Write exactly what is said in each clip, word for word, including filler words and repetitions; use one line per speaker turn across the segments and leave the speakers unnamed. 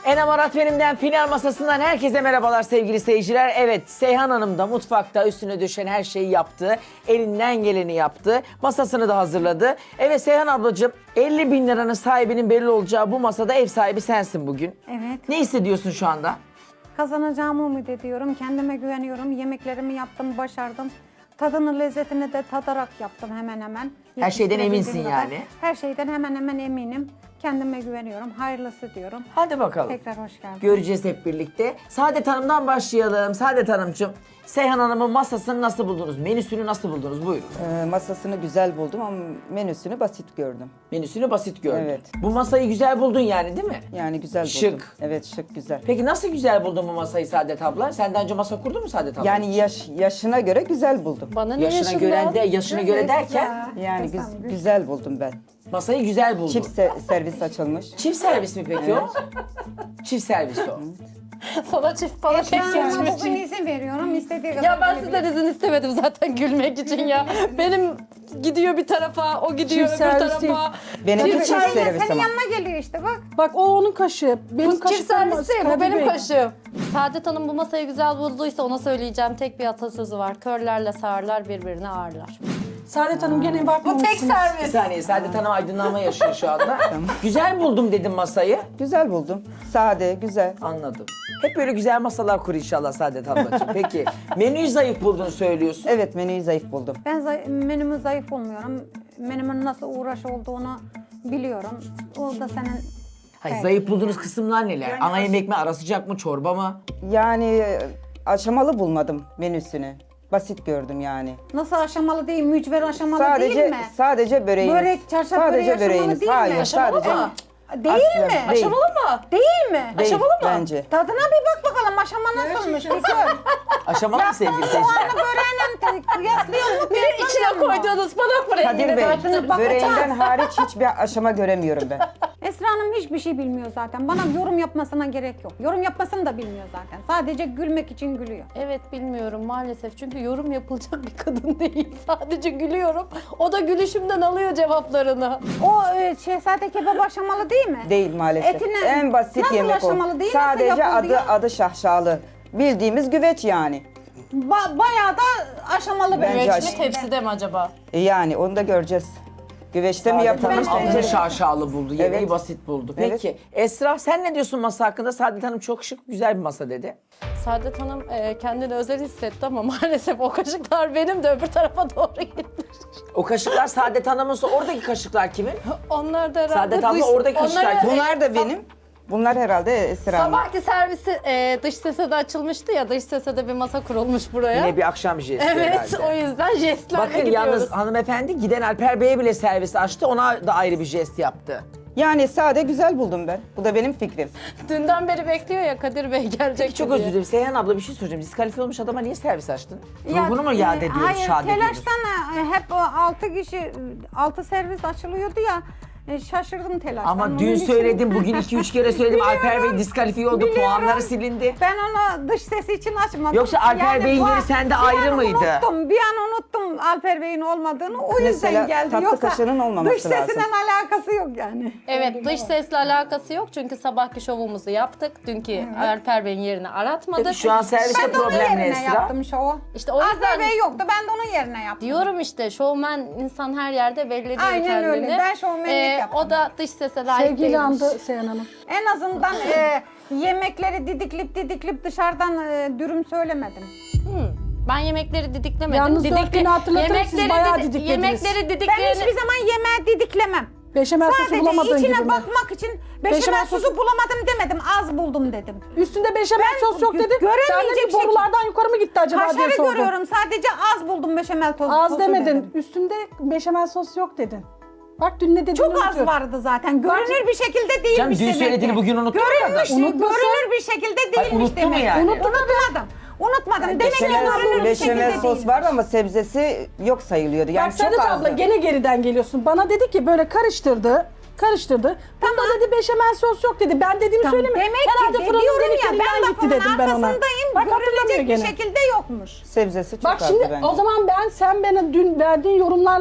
Enem Arat benimden final masasından herkese merhabalar sevgili seyirciler. Evet, Seyhan Hanım da mutfakta üstüne düşen her şeyi yaptı. Elinden geleni yaptı. Masasını da hazırladı. Evet Seyhan ablacığım, elli bin liranın sahibinin belli olacağı bu masada ev sahibi sensin bugün.
Evet.
Ne hissediyorsun şu anda?
Kazanacağımı umut ediyorum. Kendime güveniyorum. Yemeklerimi yaptım, başardım. Tadını, lezzetini de tadarak yaptım hemen hemen.
Her şeyden eminsin
Yetiştirebildiğim kadar.
yani.
Her şeyden hemen hemen eminim. Kendime güveniyorum. Hayırlısı diyorum.
Hadi bakalım.
Tekrar hoş geldin.
Göreceğiz hep birlikte. Saadet Hanım'dan başlayalım. Saadet Hanımcığım, Seyhan Hanım'ın masasını nasıl buldunuz? Menüsünü nasıl buldunuz? Buyurun.
Ee, masasını güzel buldum ama menüsünü basit gördüm.
Menüsünü basit gördün.
Evet.
Bu masayı güzel buldun yani değil mi?
Yani güzel
Şık.
buldum. Evet, şık, güzel.
Peki nasıl güzel buldun bu masayı Saadet abla? Senden önce masa kurdun mu Saadet abla?
Yani yaş, yaşına göre güzel buldum.
Bana ne
yaşına
yaşından?
göre de yaşına göre derken
Yani güz- güzel buldum ben.
masayı güzel buldun.
Çift se- servis açılmış.
Çift servis mi peki o? Çift servis o.
Sana çift bana tek
Esra'ma
geçmiş.
bugün izin veriyorum. İstediği kadar
Ya ben
gelebilir.
sizden izin istemedim zaten gülmek için ya. Benim gidiyor bir tarafa, o gidiyor
Çift
öbür
servis değil.
tarafa.
Benimki
Çift
çift
servis
servis
senin
ama.
yanına geliyor işte bak.
Bak o onun kaşığı. Benim
Bu çift
kaşıklarım
servis değil, bu
Kadir
benim
Bey.
kaşığım. Saadet Hanım bu masayı güzel bulduysa ona söyleyeceğim tek bir atasözü var. Körlerle sağırlar birbirini ağırlar.
Saadet Hanım gene
Bu
bakmamışsınız.
tek
Bir
servis.
saniye Saadet Hanım aydınlanma yaşıyor şu anda. Güzel buldum dedim masayı.
Güzel buldum. Sade, güzel.
Anladım. Hep böyle güzel masalar kur inşallah Saadet ablacığım. Peki menüyü zayıf bulduğunu söylüyorsun.
Evet, menüyü zayıf buldum.
Ben zay- menümü zayıf bulmuyorum. Menümün nasıl uğraş olduğunu biliyorum. O da senin
Hayır, zayıf bulduğunuz kısımlar neler? Ana yemek mi, ara sıcak mı, çorba mı?
Yani e, aşamalı bulmadım menüsünü. Basit gördüm yani.
nasıl aşamalı değil, mücver aşamalı
Sadece
değil mi?
sadece böreğiniz.
Börek, çarşaf böreği
sadece
aşamalı
böreğiniz.
değil mi?
Hayır,
Aşamalı
sadece
mı?
Değil
Aslen
mi?
değil.
Aşamalı mı?
Değil mi?
Değil,
Aşamalı mı?
bence.
Tadına bir bak bakalım aşama nasılmış bir gör.
Aşamalı mı sevgili seyirciler?
Soğanlı böreğiyle kıyaslıyor mu?
Benim içine koyduğunuz bana bırakın.
Kadir Bey,
bakacağız.
böreğinden hariç hiçbir aşama göremiyorum ben.
Esra Hanım hiçbir şey bilmiyor zaten. Bana yorum yapmasına gerek yok. Yorum yapmasını da bilmiyor zaten. Sadece gülmek için gülüyor.
Evet bilmiyorum maalesef çünkü yorum yapılacak bir kadın değil. Sadece gülüyorum. O da gülüşümden alıyor cevaplarını.
O e, şehzade kebap aşamalı değil mi?
Değil maalesef.
Etine-
En basit
nasıl
yemek o.
aşamalı değil, nasıl
Sadece
yapıldı
adı
ya?
adı şahşalı. Bildiğimiz güveç yani.
Ba- bayağı da aşamalı
Bence
börek.
Güveç
aş-
mi tepside mi acaba?
E yani onu da göreceğiz. Güveçte mi
Saadet
yapılmış
Hanım
bence?
adını şaşalı buldu, yemeği
Evet.
basit buldu.
Evet.
Peki Esra sen ne diyorsun masa hakkında? Saadet Hanım çok şık, güzel bir masa dedi.
Saadet Hanım e, kendini özel hissetti ama maalesef o kaşıklar benim de öbür tarafa doğru gitmiş.
O kaşıklar Saadet Hanım'ınsa oradaki kaşıklar kimin?
Onlar da herhalde
Saadet abla
dış-
oradaki kaşıklar.
onları-
Bunlar da benim. Bunlar herhalde Esra Hanım.
Sabahki servisi e, dış sese de açılmıştı ya, dış sese de bir masa kurulmuş buraya.
Yine bir akşam jesti
Evet,
herhalde.
o yüzden jestlerle
Bakın
gidiyoruz.
yalnız hanımefendi giden Alper Bey'e bile servis açtı. Ona da ayrı bir jest yaptı.
Yani sade güzel buldum ben. Bu da benim fikrim.
Dünden beri bekliyor ya Kadir Bey gelecek
Çok
diye.
özür dilerim. Seyhan abla bir şey soracağım. Diskalifiye olmuş adama niye servis açtın?
Ya,
Ruhunu mu yad
e,
ediyoruz,
Hayır,
şad ediyoruz?
telaştan e, hep o altı kişi, altı servis açılıyordu ya. e, şaşırdım telaştan.
Ama
Onun
dün
için-
söyledim, bugün iki üç kere söyledim. Alper Bey diskalifiye oldu,
Biliyorum.
puanları silindi.
Ben onu dış sesi için açmadım.
Yoksa Alper Bey'in
bu-
yeri sende
bir
ayrı
an
mıydı?
Unuttum, bir an unuttum Alper Bey'in olmadığını. O yüzden
Mesela
geldi.
tatlı
Yoksa
kaşığının olmaması
dış sesinden
lazım.
alakası yok yani.
Evet, dış sesle alakası yok çünkü sabahki şovumuzu yaptık. Dünkü Alper Bey'in yerini aratmadık.
Peki şu an serviste
Ben de onun
problem ne
yerine
Esra?
yaptım şovu.
İşte o yüzden-
Alper Bey yoktu, ben de onun yerine yaptım.
Diyorum işte şovmen insan her yerde belli ediyor
Aynen
kendini.
öyle, ben şovmenlik yaptım.
O da dış sese layık
Sevgili
değilmiş.
andı Seyhan Hanım.
En azından e, yemekleri didiklip didiklip dışarıdan e, dürüm söylemedim.
Ben yemekleri didiklemedim.
Yalnız dört günü hatırlatırım, siz
yemekleri
bayağı
didi-
didiklediniz.
Yemekleri
Ben
didiklerini...
hiçbir zaman yemeği didiklemem.
Beşamel sosu
Sadece
bulamadığın
içine
gibi mi?
bakmak için beşamel
Beşamel
sosu
sosu-
bulamadım demedim, az buldum dedim.
Üstünde beşamel
Ben
sos yok
gö-
dedin.
göremeyecek
Ben de
şekilde-
borulardan yukarı mı gitti acaba diye
Kaşarı
sordum.
görüyorum, sadece az buldum beşamel tozu.
Az
sosu
demedin.
dedim.
Üstünde beşamel sos yok dedin. Bak dün ne dediğini
Çok az
unutuyorum.
vardı zaten. Görünür bir şekilde değilmiş
Canım, dün
demek ki.
söylediğini bugün unuttu mu
Görünmüş,
kadın?
Unutmasın.
görünür bir şekilde değilmiş
unuttu mu
demek ki.
yani?
Unutmadım. Unutmadım. Demek ki
Beşamel,
görünür bir şekilde
beşamel
değilmiş.
sos var ama sebzesi yok sayılıyordu. Yani
Bak Saadet
çok
abla
azdı.
gene geriden geliyorsun. Bana dedi ki böyle karıştırdı. Karıştırdı. Bunda dedi beşamel sos yok dedi. Ben dediğimi
Tamam,
söyleme.
demek
Herhalde
ki
fırının
diyorum ya,
deliklerinden
ben
gitti
lafımın
dedim ben ona.
arkasındayım.
Bak hatırlamıyor
Görülecek bir
gene.
şekilde yokmuş.
Sebzesi çok
Bak
azdı
şimdi
bence.
o zaman ben sen bana dün verdiğin yorumlarla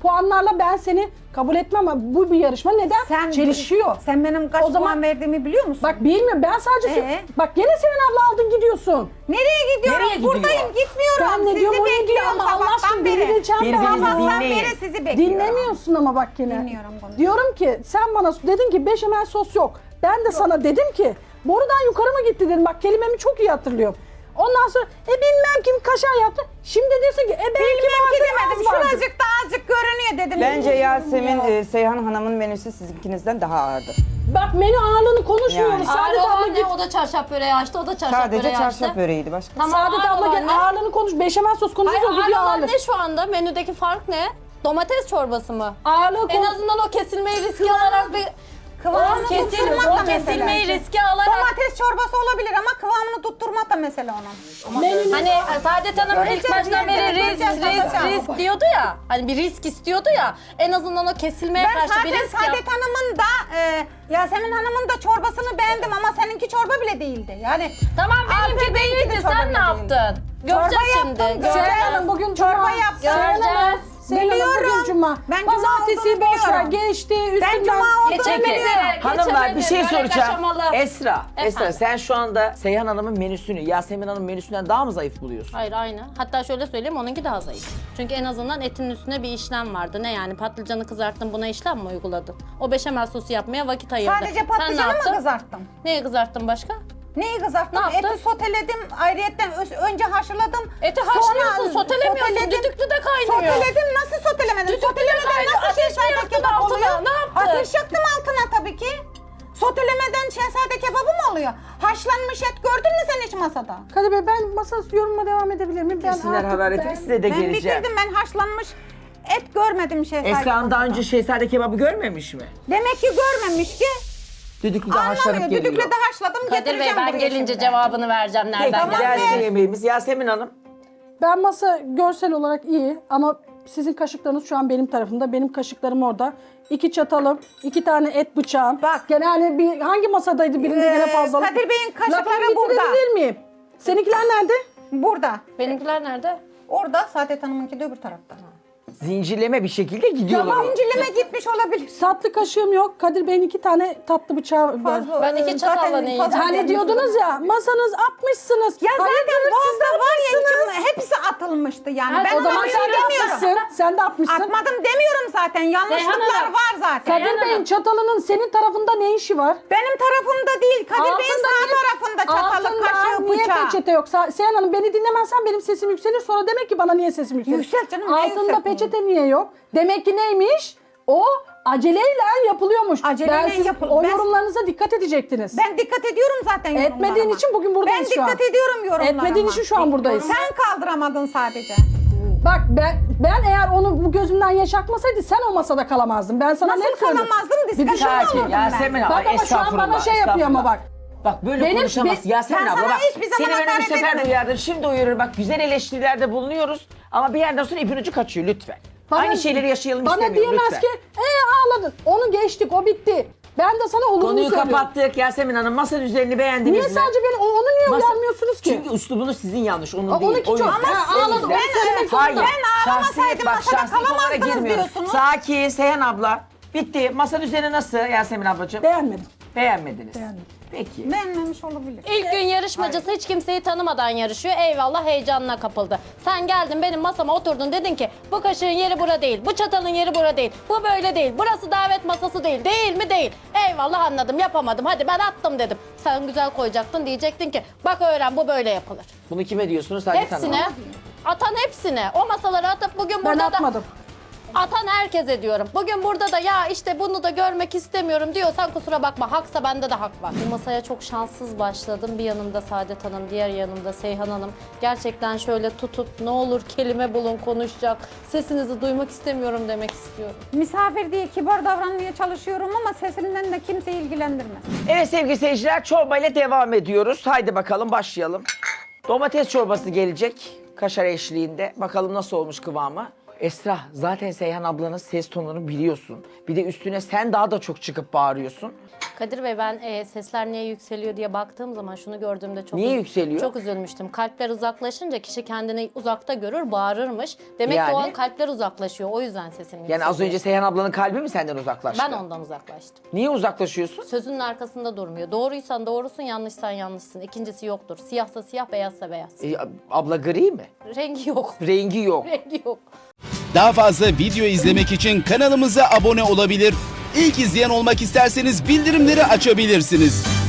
puanlarla ben seni kabul etmem ama bu bir yarışma neden?
Sen
Çelişiyor.
Sen benim kaç
O zaman-
puan verdiğimi biliyor musun?
Bak bilmiyorum ben sadece...
Ee?
Bak gene senin abla aldın gidiyorsun.
nereye gidiyorum?
Nereye gidiyor?
Buradayım, gitmiyorum.
Ben ne
Sizi
diyorum o ne diyor
bekliyorum
ama Allah
sabahtan
aşkına
beri.
dinleyeceğim ben.
Birbirinizi
Sabahtan
dinleyin.
beri sizi bekliyorum.
Dinlemiyorsun ama bak yine.
Dinliyorum bunu.
Diyorum ki sen bana dedin ki beşamel sos yok. Ben de sana dedim ki borudan yukarı mı gitti dedim. Bak kelimemi çok iyi hatırlıyorum. Ondan sonra e bilmem kim kaşar yaptı. Şimdi diyorsun ki e belki
Bilmem ki
vardır,
demedim.
az vardır.
Şuracık da azıcık görünüyor dedim.
Bence Yasemin, e, Seyhan Hanım'ın menüsü sizinkinizden daha ağırdır.
Bak menü ağırlığını konuşmuyoruz.
Yani.
Saadet
Ağır
abla
olan
git.
ne? O da çarşaf böreği açtı, o da çarşaf
Sadece
böreği açtı.
çarşaf böreğiydi başka.
Tamam,
Saadet
ağır
abla
olan
gel
ne?
ağırlığını konuş. Beşamel sos konuşuyoruz.
Hayır,
o bir
ağır olan
ağırlık.
ne şu anda? Menüdeki fark ne? Domates çorbası mı?
Ağırlığı
En
konuş.
azından o kesilmeyi riske alarak bir...
Kıvamını
o kesil,
tutturmak da
o kesilmeyi
mesela.
riske alarak...
Domates çorbası olabilir ama kıvamını tutturmak da mesele onun.
Menünün
Hani Saadet Hanım ilk
Göreceğiz,
baştan beri
göreceğiz,
risk,
göreceğiz,
risk,
göreceğiz.
risk diyordu ya. Hani bir risk istiyordu ya. En azından o kesilmeye
Ben
karşı bir
zaten
risk yap.
Saadet Hanım'ın da e, Yasemin Hanım'ın da çorbasını beğendim ama seninki çorba bile değildi. Yani
Tamam benimki
Alper Bey'inki de
değildi.
çorba
Sen ne
bile değildi.
yaptın? Göreceğiz
Çorba
şimdi.
yaptım,
Göreceğiz.
Seyhan Hanım bugün
Çorba
cuma.
yaptım.
Seyhan Hanım,
Göreceğiz.
Seyhan Hanım bugün
Biliyorum.
cuma.
Ben cuma
Pazartesi
olduğunu
boş ver
biliyorum.
geçti.
Ben
Üstünden.
cuma olduğunu
Geçemedim.
biliyorum.
Hanımlar bir şey
Geçemedim, böyle
soracağım.
kaşamalı.
Esra, Esra
Efendim?
sen şu anda Seyhan Hanım'ın menüsünü Yasemin Hanım'ın menüsünden daha mı zayıf buluyorsun?
Hayır aynı. Hatta şöyle söyleyeyim onunki daha zayıf. Çünkü en azından etin üstüne bir işlem vardı. Ne yani patlıcanı kızarttın buna işlem mi uyguladın? O beşamel sosu yapmaya vakit ayırdı.
Sadece
Sen ne
patlıcanı mı
yaptın?
kızarttım?
Neyi kızarttın başka?
Neyi kızarttım?
Ne yaptın?
Eti soteledim. Ayrıyetten ö- önce haşladım.
Eti
Sonra
haşlıyorsun, sotelemiyorsun.
soteledim.
Düdüklüde kaynıyor.
Soteledim. Nasıl sotelemedim?
Düdüklüde
Sotelemeden
kaynıyor.
nasıl
Ateş mi
şehzade
yaktın
kebap
altına?
oluyor?
Ne yaptın?
Ateş yaktım altına tabii ki. Sotelemeden şehzade kebabı mı oluyor? Haşlanmış et gördün mü sen hiç masada?
Kadir Bey ben masa yorumuma devam edebilir miyim? Ben
Sinir
artık-
hararetini
ben-
size de
Ben
geleceğim.
bitirdim. Ben haşlanmış et görmedim şehzade
Esra'nın daha
kebabında.
önce şehzade kebabı görmemiş mi?
Demek ki görmemiş ki.
Düdüklüde haşlanıp
Anlamıyor.
geliyor.
Düdükle de haşladım
Kadir Bey
getireceğim
ben
buraya
gelince
şimdi.
cevabını vereceğim
Peki
nereden
Tamam,
geldi.
gelsin
ver.
yemeğimiz. Yasemin Hanım.
Ben masa görsel olarak iyi ama sizin kaşıklarınız şu an benim tarafımda. Benim kaşıklarım orada. İki çatalım, iki tane et bıçağım.
Bak.
Genelde bir hangi masadaydı birinde
Ee,
gene fazlalık.
Kadir Bey'in kaşıkları
Lafımı
burada.
bitirebilir miyim? Seninkiler nerede?
Burada.
Benimkiler nerede?
Orada Saadet Hanım'ınki de öbür tarafta.
Zincirleme bir şekilde gidiyorlar.
Tamam incileme gitmiş olabilir.
Tatlı kaşığım yok. Kadir Bey'in iki tane tatlı bıçağı var.
Fazla-
Ben iki
Zaten
çatalla ne
fazla
yiyeceğim?
Hani
gelmiş
diyordunuz ya masanız atmışsınız.
Ya zaten
Hayırdır,
sizde var ya
vazgeçmişsiniz.
içim- hepsi atılmıştı yani.
Ha,
ben
O
ona
zaman
bir
sen
şey
de
demiyorum.
atmışsın. Sen de atmışsın.
Atmadım demiyorum zaten. Yanlışlıklar
Hanım.
var zaten.
Kadir
Seyhan
Bey'in
Hanım.
çatalının senin tarafında ne işi var?
Benim tarafımda değil. Kadir Bey'in
Altında
sağ
niye-
tarafında çatalı,
altında
kaşığı,
niye
bıçağı.
peçete yok? Sa- Seyhan Hanım beni dinlemezsen benim sesim yükselir. Sonra demek ki bana niye sesim yükselir?
Yüksel canım, niye
Altında
yükseltmeyeyim?
peçete niye yok? Demek ki neymiş? O aceleyle yapılıyormuş.
Aceleyle
ben siz
yapıl-
o
ben-
yorumlarınıza dikkat edecektiniz.
Ben dikkat ediyorum zaten yorumlarıma.
Etmediğin için bugün buradayız
Ben
şu an.
dikkat ediyorum yorumlarıma.
Etmediğin için şu an buradayız.
Sen kaldıramadın sadece.
Bak ben ben eğer onu bu gözümden yaşatmasaydı sen o masada kalamazdın. Ben sana
Nasıl
ne söylüyorum?
kalamazdım?
Bir
Diskalifiye
düşün-
Sakin
olurdum ben.
Yasemin abla
Bak ama şu an
estağfurullah.
bana şey yapıyor ama
estağfurullah.
bak.
Bak böyle
Benim-
konuşamaz
be-
Yasemin
Ben
abla
sana
bak.
hiçbir zaman
Seni ben bir
hakaret
sefer
etmedim.
uyardım. Şimdi uyarıyorum bak güzel eleştirilerde bulunuyoruz. Ama bir yerden sonra ipin ucu kaçıyor lütfen.
Bana-
Aynı şeyleri yaşayalım
Bana
istemiyorum
diyemez
lütfen.
ki ee ağladın. Onu geçtik o bitti. Ben de sana olumlu
Konuyu
söylüyorum.
kapattık Yasemin Hanım. Masanın üzerini beğendiniz
Niye
mi?
sadece beni o- onu niye
Masa-
uyarmıyorsunuz ki?
Çünkü üslubunuz sizin yanlış, onun
Aa,
değil.
onunki
O
çok-
yüzden.
Ha,
O
ağladım.
yüzden-
Ben söylemek zorundayım.
Hayır.
Ben ağlamasaydım
bak,
masada
şahsi konulara
kalamazdınız
girmiyoruz.
diyorsunuz.
Sakin Seyhan abla. Bitti. Masanın üzerine nasıl Yasemin ablacığım?
Beğenmedim.
Beğenmediniz.
Beğenmedim.
Peki.
Beğenmemiş olabilir.
İlk gün yarışmacısı hiç kimseyi tanımadan yarışıyor. Eyvallah heyecanına kapıldı. Sen geldin benim masama oturdun dedin ki bu kaşığın yeri bura değil, bu çatalın yeri bura değil, bu böyle değil, burası davet masası değil, değil mi değil. Eyvallah anladım yapamadım hadi ben attım dedim. Sen güzel koyacaktın diyecektin ki bak öğren bu böyle yapılır.
Bunu kime diyorsunuz? Saadet Hanım?
Hepsine, atan hepsine o masaları atıp bugün
Ben
burada
atmadım.
da... Atan herkese diyorum. Bugün burada da ya işte bunu da görmek istemiyorum diyorsan kusura bakma. Haksa bende de hak var. Bu masaya çok şanssız başladım. Bir yanımda Saadet Hanım, diğer yanımda Seyhan Hanım. Gerçekten şöyle tutup ne olur kelime bulun konuşacak. Sesinizi duymak istemiyorum demek istiyorum.
Misafir diye kibar davranmaya çalışıyorum ama sesimden de kimse ilgilendirmez.
Evet sevgili seyirciler çorbayla devam ediyoruz. Haydi bakalım başlayalım. Domates çorbası gelecek kaşar eşliğinde. Bakalım nasıl olmuş kıvamı. Esra, zaten Seyhan ablanın ses tonunu biliyorsun. Bir de üstüne sen daha da çok çıkıp bağırıyorsun.
Kadir Bey, ben e, sesler niye yükseliyor diye baktığım zaman şunu gördüğümde çok
Niye
üz-
yükseliyor?
Çok üzülmüştüm. Kalpler uzaklaşınca kişi kendini uzakta görür, bağırırmış. Demek
Yani?
ki o an kalpler uzaklaşıyor. O yüzden sesim yükseliyor.
Yani az önce Seyhan ablanın kalbi mi senden uzaklaştı?
ben ondan uzaklaştım.
Niye uzaklaşıyorsun?
Sözünün arkasında durmuyor. Doğruysan doğrusun, yanlışsan yanlışsın. İkincisi yoktur. Siyahsa siyah, beyazsa beyaz.
E, abla gri mi?
Rengi yok.
Rengi yok.
Rengi yok.
Daha fazla video izlemek için kanalımıza abone olabilir. İlk izleyen olmak isterseniz bildirimleri açabilirsiniz.